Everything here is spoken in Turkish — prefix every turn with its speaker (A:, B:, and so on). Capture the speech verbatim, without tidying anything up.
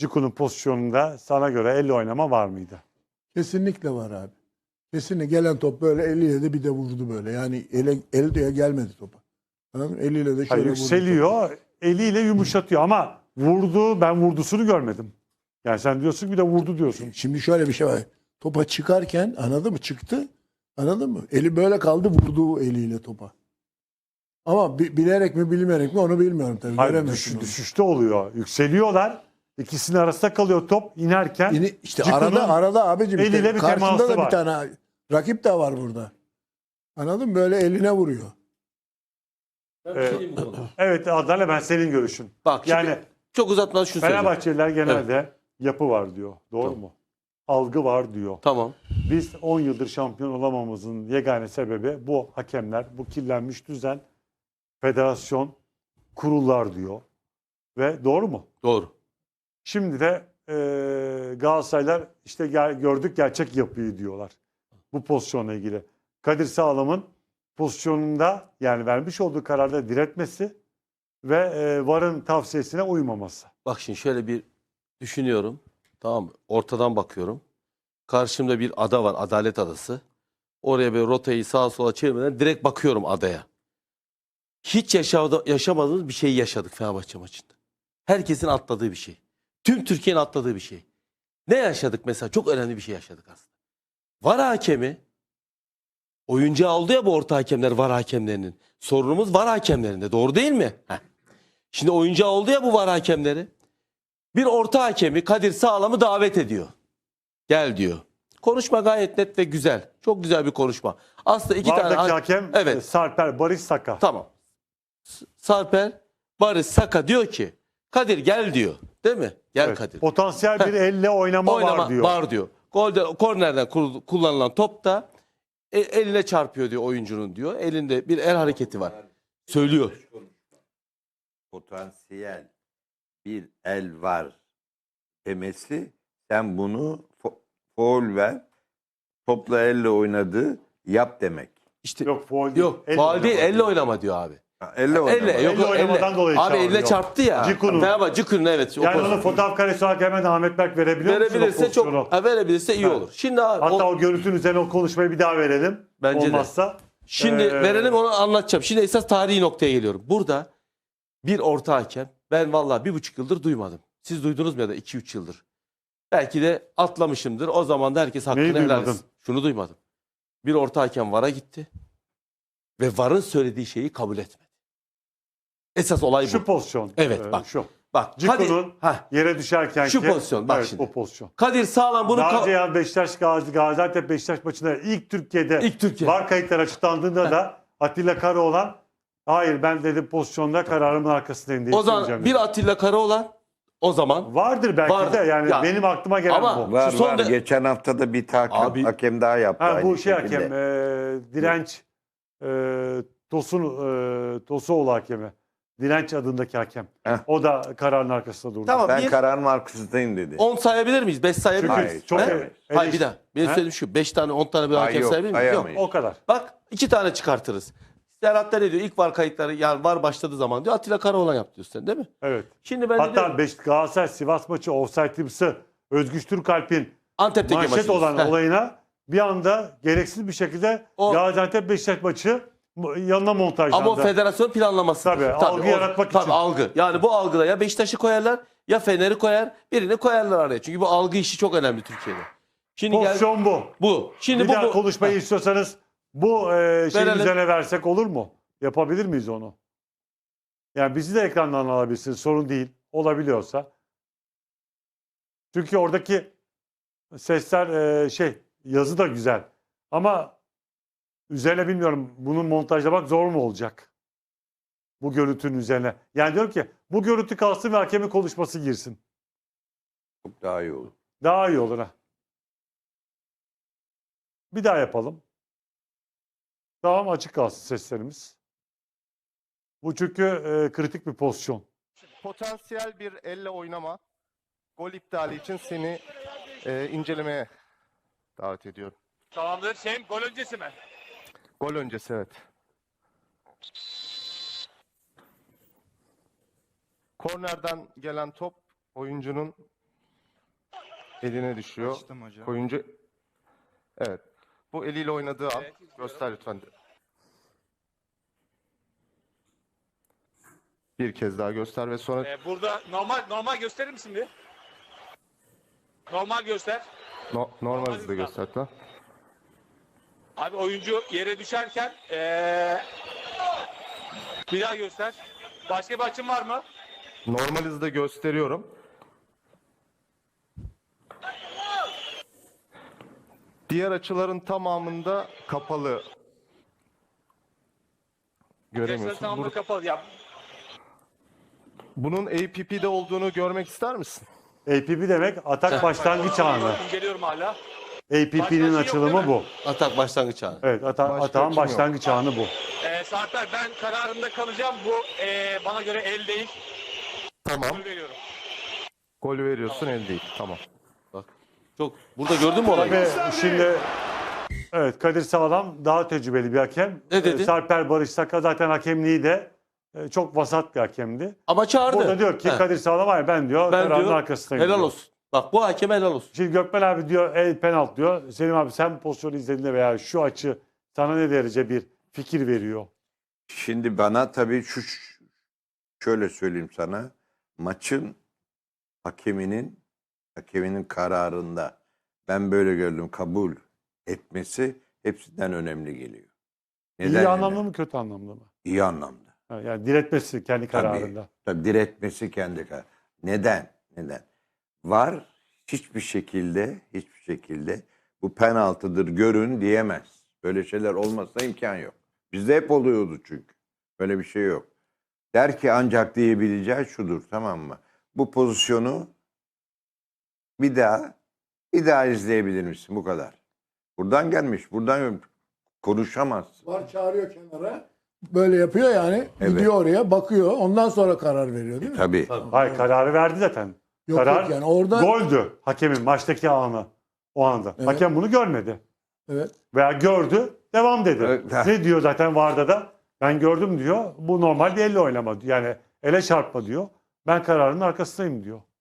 A: Ciku'nun pozisyonunda sana göre elle oynama var mıydı?
B: Kesinlikle var abi. Kesinlikle gelen top böyle eliyle de bir de vurdu böyle. Yani ele, eli de gelmedi topa. Anladın mı? Eliyle de şöyle
A: Hayır,
B: vurdu topu.
A: yükseliyor, eliyle yumuşatıyor ama vurdu, ben vurdusunu görmedim. Yani sen diyorsun ki bir de vurdu diyorsun.
B: Şimdi şöyle bir şey var. Topa çıkarken anladın mı? Çıktı. Anladın mı? Eli böyle kaldı, vurdu eliyle topa. Ama bi- bilerek mi bilmeyerek mi onu bilmiyorum tabii.
A: Hayır,
B: Göremezsin
A: düş-
B: onu.
A: düşüşte oluyor. Yükseliyorlar. İkisinin arasında kalıyor top. İnerken
B: Yine işte
A: Ciku'nun
B: arada arada abicim işte
A: eliyle bir
B: karşında
A: teması
B: da
A: var.
B: bir tane rakip de var burada. Anladın mı? Böyle eline vuruyor.
A: Evet, evet Adnan, ben senin görüşün.
C: Bak şimdi
A: Yani
C: çok uzatmadan şunu söyleyeceğim.
A: Fenerbahçeliler genelde yapı var diyor. Doğru
C: Tamam.
A: mu? Algı var diyor.
C: Tamam.
A: Biz on yıldır şampiyon olamamızın yegane sebebi bu hakemler, bu kirlenmiş düzen, federasyon, kurullar diyor. Ve doğru mu?
C: Doğru.
A: Şimdi de e, Galatasaraylar işte gel, gördük gerçek yapıyı diyorlar. Bu pozisyonla ilgili. Kadir Sağlam'ın pozisyonunda yani vermiş olduğu kararda diretmesi ve e, VAR'ın tavsiyesine uymaması.
C: Bak şimdi şöyle bir düşünüyorum. Tamam mı? Ortadan bakıyorum. Karşımda bir ada var. Adalet Adası. Oraya böyle rotayı sağa sola çevirmeden direkt bakıyorum adaya. Hiç yaşadı, yaşamadığımız bir şeyi yaşadık Fenerbahçe maçında. Herkesin atladığı bir şey. Tüm Türkiye'nin atladığı bir şey. Ne yaşadık mesela? Çok önemli bir şey yaşadık aslında. VAR hakemi, oyuncağı oldu ya bu orta hakemler VAR hakemlerinin. Sorunumuz VAR hakemlerinde. Doğru değil mi? Heh. Şimdi oyuncağı oldu ya bu VAR hakemleri. Bir orta hakemi Kadir Sağlam'ı davet ediyor. Gel diyor. Konuşma gayet net ve güzel. Çok güzel bir konuşma. Aslında iki
A: VAR'daki
C: tane...
A: hakem
C: Evet.
A: e, Sarper Barış Saka.
C: Tamam. S- Sarper, Barış, Saka diyor ki Kadir gel diyor. Değil mi? Gel
A: Evet,
C: Kadir.
A: potansiyel bir elle oynama,
C: Oynama
A: var diyor.
C: var diyor. Golde, kornerden kul- kullanılan top da e- eline çarpıyor diyor oyuncunun diyor. Elinde bir el hareketi var. Söylüyor.
D: Potansiyel bir el var demesi, sen bunu fo- faul ver, topla elle oynadı yap demek.
C: İşte
A: Yok faul değil.
C: yok.
A: Elle
C: Faul değil,
A: oynama
C: elle
A: diyor.
C: oynama diyor abi.
D: Ha, elle oynama.
C: Elle yok
A: Elle oynamadan
C: elle.
A: dolayı
C: Abi elle
A: çağırıyor.
C: çarptı ya.
A: Ciku'nun.
C: Fenerbahçe Ciku'nun evet. o
A: Yani
C: pozisyon.
A: onu fotoğraf karesi olarak hemen Ahmet Berk verebiliyor musun o
C: verebilirse çok
A: pozisyonu?
C: ha, verebilirse iyi
A: Ha.
C: olur. Şimdi abi
A: Hatta
C: o-
A: o görüntünün üzerine o konuşmayı bir daha verelim.
C: Bence de.
A: Olmazsa.
C: Şimdi
A: Ee,
C: verelim onu anlatacağım. Şimdi esas tarihi noktaya geliyorum. Burada bir orta hakem ben vallahi bir buçuk yıldır duymadım. Siz duydunuz mu ya da iki üç yıldır? Belki de atlamışımdır. O zaman da herkes hakkını
A: Neyi
C: helal
A: duymadın?
C: etsin. Şunu duymadım. Bir orta hakem VAR'a gitti ve VAR'ın söylediği şeyi kabul etmedi. Esas olay bu.
A: Şu pozisyon.
C: Evet,
A: e,
C: bak.
A: Şu.
C: Bak
A: Ciku'nun
C: Kadir, Hah,
A: yere düşerken
C: Şu pozisyon, bak
A: evet,
C: şimdi.
A: o pozisyon.
C: Kadir Sağlam bunu
A: Daha
C: ka-
A: önce yani Beşiktaş Gazi, Gaziantep Beşiktaş maçında ilk Türkiye'de
C: İlk Türkiye.
A: VAR kayıtları açıklandığında da Atilla Karaoğlan hayır ben dedim pozisyonda kararımın arkasındayım diye
C: o zaman
A: söyleyeceğim
C: bir
A: dedi.
C: Atilla Karaoğlan o zaman
A: Vardır belki
C: Vardır.
A: de yani
C: Ya.
A: benim aklıma gelen
C: Ama-
A: bu.
D: Var
C: Şu son
D: var.
C: de-
D: Geçen hafta da bir hakem,
C: Abi-
D: hakem daha yaptı.
A: Ha,
D: aynı
A: bu şey
D: şekilde.
A: hakem e, direnç e, Tosun e, Tosuoğlu hakemi. Direnç adındaki hakem.
D: Heh.
A: O da kararın arkasında durdu.
C: Tamam.
D: Ben
C: Bir-
D: kararın arkasındayım dedi.
C: on sayabilir miyiz? beş sayabilir
A: Çünkü
C: miyiz?
D: Hayır,
A: çok
C: He?
D: sayamaz.
A: eleş-
C: Hayır bir daha. Benim
A: He?
C: söylediğim şu. beş tane on tane bir
D: Hayır,
C: hakem
D: yok,
C: sayabilir miyiz? Yok.
D: sayamayız.
A: O kadar.
C: Bak iki tane çıkartırız. Serhat da ne diyor? İlk VAR kayıtları yani VAR başladığı zaman diyor Atilla Karaoğlan yaptı diyorsun sen değil mi?
A: Evet.
C: Şimdi ben de
A: Hatta
C: diyorum,
A: Beş, Galatasaray Sivas maçı offside'ımsı Özgüç Türkalp'in
C: Antep'teki
A: manşet
C: maçımız.
A: olan
C: Heh.
A: olayına bir anda gereksiz bir şekilde
C: O-
A: Gaziantep Beşiktaş maçı yanına montajlandı.
C: Ama o federasyon planlaması.
A: Tabii, algı yaratmak için.
C: Tabii algı. Yani bu algıda ya Beşiktaş'ı koyarlar ya Fener'i koyar birini koyarlar araya. Çünkü bu algı işi çok önemli Türkiye'de. Şimdi gel
A: Pozisyon bu.
C: bu. Şimdi
A: Bir
C: bu,
A: daha
C: bu.
A: konuşmayı
C: Heh.
A: istiyorsanız bu e, şeyin
C: Verelim.
A: üzerine versek olur mu? Yapabilir miyiz onu? Yani bizi de ekrandan alabilirsiniz. Sorun değil. Olabiliyorsa. Çünkü oradaki sesler e, şey yazı da güzel. Ama üzerine bilmiyorum bunun montajlamak zor mu olacak? Bu görüntünün üzerine. Yani diyorum ki bu görüntü kalsın ve hakemin konuşması girsin.
D: Çok daha iyi olur.
A: Daha iyi olur ha. Bir daha yapalım. Tamam açık kalsın seslerimiz. Bu çünkü e, kritik bir pozisyon.
E: Potansiyel bir elle oynama, gol iptali için seni e, incelemeye davet ediyorum.
F: Tamamdır. Şey, gol öncesi mi?
E: Gol öncesi evet. Kornerden gelen top oyuncunun eline düşüyor.
G: Açtım hocam.
E: Oyuncu evet. Bu eliyle oynadığı an
F: Evet,
E: göster lütfen. Bir kez daha göster ve sonra
F: Ee, burada normal normal gösterir misin bir? Normal göster.
E: no- normal hızda göster lütfen.
F: Abi oyuncu yere düşerken ee, bir daha göster. Başka bir açın var mı?
E: Normal hızda gösteriyorum. Diğer açıların tamamında kapalı.
F: Göster
E: Göremiyorsun.
F: tamamı
E: Bur-
F: kapalı. Ya,
E: Bunun A P P'de olduğunu görmek ister misin?
A: A P P demek atak başlangıç anı.
F: İnceliyorum hala.
A: A P P'nin
F: Başka şey yok
A: açılımı
F: değil mi?
A: bu.
C: Atak başlangıç anı.
A: Evet, ata
E: Başka
A: atağın
E: açım yok.
A: başlangıç anı bu.
F: Ee, Sarper ben kararımda kalacağım. Bu ee, bana göre el değil.
E: Tamam.
F: Gol veriyorum.
E: Gol veriyorsun, el değil. Tamam.
C: Bak. Çok burada gördün mü olayı?
A: Tabii şimdi evet Kadir Sağlam daha tecrübeli bir hakem.
C: Ne dedi?
A: Ee, Sarper Barış Saka zaten hakemliği de e, çok vasat bir hakemdi.
C: Ama çağırdı.
A: Burada diyor ki
C: He.
A: Kadir Sağlam hayır ben diyor
C: Ben
A: kararın
C: diyor,
A: arkasındayım
C: helal
A: diyor.
C: olsun. Bak bu hakem helal olsun.
A: Şimdi Gökmen abi diyor el penaltı diyor. Selim abi sen pozisyonu izlediğinde veya şu açı sana ne derece bir fikir veriyor?
D: Şimdi bana tabii şu şöyle söyleyeyim sana. Maçın hakeminin hakeminin kararında ben böyle gördüm kabul etmesi hepsinden önemli geliyor.
A: İyi
D: önemli?
A: anlamda mı kötü anlamda mı?
D: İyi anlamda.
A: Ha, yani diretmesi kendi
D: Tabii.
A: kararında.
D: Tabii diretmesi kendi kararı. Neden? Neden? Var hiçbir şekilde hiçbir şekilde bu penaltıdır görün diyemez. Böyle şeyler olmasına imkan yok. Bizde hep oluyordu çünkü. Böyle bir şey yok. Der ki ancak diyebileceği şudur, tamam mı? Bu pozisyonu bir daha bir daha izleyebilir misin? Bu kadar. Buradan gelmiş. Buradan konuşamaz.
B: Var çağırıyor kenara. Böyle yapıyor yani.
D: Evet.
B: Gidiyor oraya bakıyor. Ondan sonra karar veriyor değil mi?
D: Tabii.
A: Hayır kararı verdi zaten.
B: Yok
A: Karar
B: yok yani orada.
A: goldü hakemin maçtaki anı o anda.
B: Evet.
A: Hakem bunu görmedi.
B: Evet.
A: Veya gördü devam dedi.
D: Evet.
A: Ne diyor zaten VAR'da da? Ben gördüm diyor. Bu normal bir elle oynama. Yani ele çarpma diyor. Ben kararın arkasındayım diyor.